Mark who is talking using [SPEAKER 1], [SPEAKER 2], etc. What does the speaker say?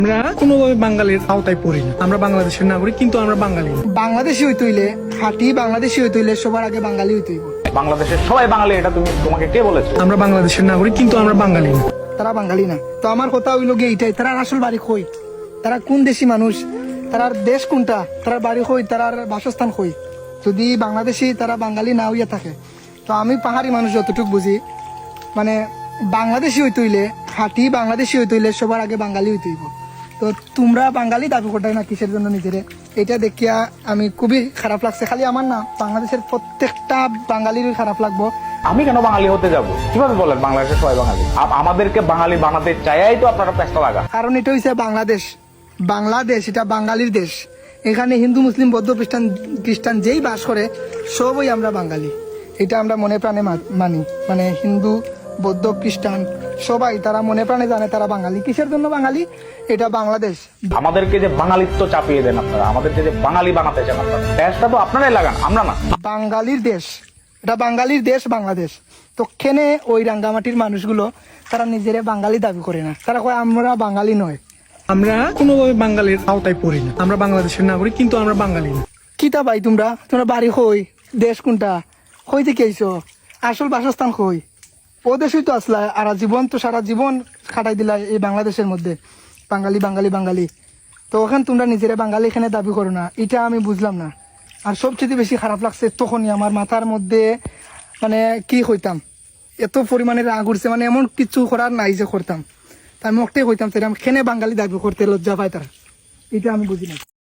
[SPEAKER 1] আমরা কোনোভাবে বাঙালির আওতায় পড়ি না। আমরা বাংলাদেশের নাগরিক, কিন্তু আমরা বাঙালি না।
[SPEAKER 2] বাংলাদেশি হইতে হইলে খাঁটি বাংলাদেশি হইতে হইলে সবার আগে বাঙালি হইতে হইব।
[SPEAKER 3] বাংলাদেশের সবাই বাঙালি, এটা তোমাকে কে বলেছে?
[SPEAKER 1] আমরা বাংলাদেশের নাগরিক, কিন্তু আমরা বাঙালি না।
[SPEAKER 2] তারা বাঙালি না। তো আমার কথা হইল গিয়ে এইটাই, তারা আসল বাড়ি কই, তারা কোন দেশি মানুষ, তারার দেশ কোনটা, তারার বাড়ি কই, তারার বাসস্থান কই। যদি বাংলাদেশি তারা বাঙালি না হইয়া থাকে, তো আমি পাহাড়ি মানুষ যতটুকু বুঝি, মানে বাংলাদেশি হইতে হইলে খাঁটি বাংলাদেশি হইতে হইলে সবার আগে বাঙালি হইতে হইব। তো তোমরা বাঙালি দাবি করতে না কিসের জন্য নিজেরে, এটা দেখিয়া আমি খুবই খারাপ লাগছে। খালি আমার না, বাংলাদেশের প্রত্যেকটা বাঙালির খারাপ লাগবো।
[SPEAKER 3] আমি কেন বাঙালি হতে যাব? কিভাবে বলেন বাংলাদেশের সবাই বাঙালি? আমাদেরকে বাঙালি বানাতে চাইয়াই তো আপনারা পেস্তা লাগা।
[SPEAKER 2] কারণ এটা হইছে বাংলাদেশ, বাংলাদেশ এটা বাঙালির দেশ। এখানে হিন্দু মুসলিম বৌদ্ধ খ্রিস্টান যেই বাস করে সবই আমরা বাঙালি। এটা আমরা মনে প্রাণে মানি। মানে হিন্দু বৌদ্ধ খ্রিস্টান সবাই তারা মনে প্রাণে জানে তারা বাঙালি। কিসের জন্য বাঙালি? এটা বাংলাদেশ।
[SPEAKER 3] আমাদেরকে যে বাঙালিত্ব চাপিয়ে দেন আপনারা, আমাদেরকে যে বাঙালি বানাতে চান আপনারা, দেশটা তো আপনারাই লাগান, আমরা না।
[SPEAKER 2] বাঙালির দেশ, এটা বাঙালির দেশ বাংলাদেশ। তো কেনে ওই রাঙ্গামাটির মানুষগুলো তারা নিজেরা বাঙালি দাবি করে না, তারা কয় আমরা বাঙালি নয়।
[SPEAKER 1] আমরা কোনোভাবে বাঙালির আওতায় পড়ি না। আমরা বাংলাদেশের নাগরিক, কিন্তু আমরা বাঙালি না।
[SPEAKER 2] কিতা ভাই তোমরা বাড়ি কই, দেশ কোনটা, কই থেকে আইছো, আসল বাসস্থান কই? ও দেশই তো আসলা, আর জীবন তো সারা জীবন খাটাই দিলা এই বাংলাদেশের মধ্যে বাঙালি বাঙালি বাঙালি। তো ওখানে তোমরা নিজেরা বাঙালি এখানে দাবি করো না, এটা আমি বুঝলাম না। আর সবচেয়ে বেশি খারাপ লাগছে তখনই আমার মাথার মধ্যে, মানে কি হইতাম, এত পরিমাণে রাগ উঠছে, মানে এমন কিছু করার নাই যে করতাম। তা আমি ওটাই হইতাম সেটা, আমি কেনে বাঙালি দাবি করতে লজ্জা পাই তারা, এটা আমি বুঝি না।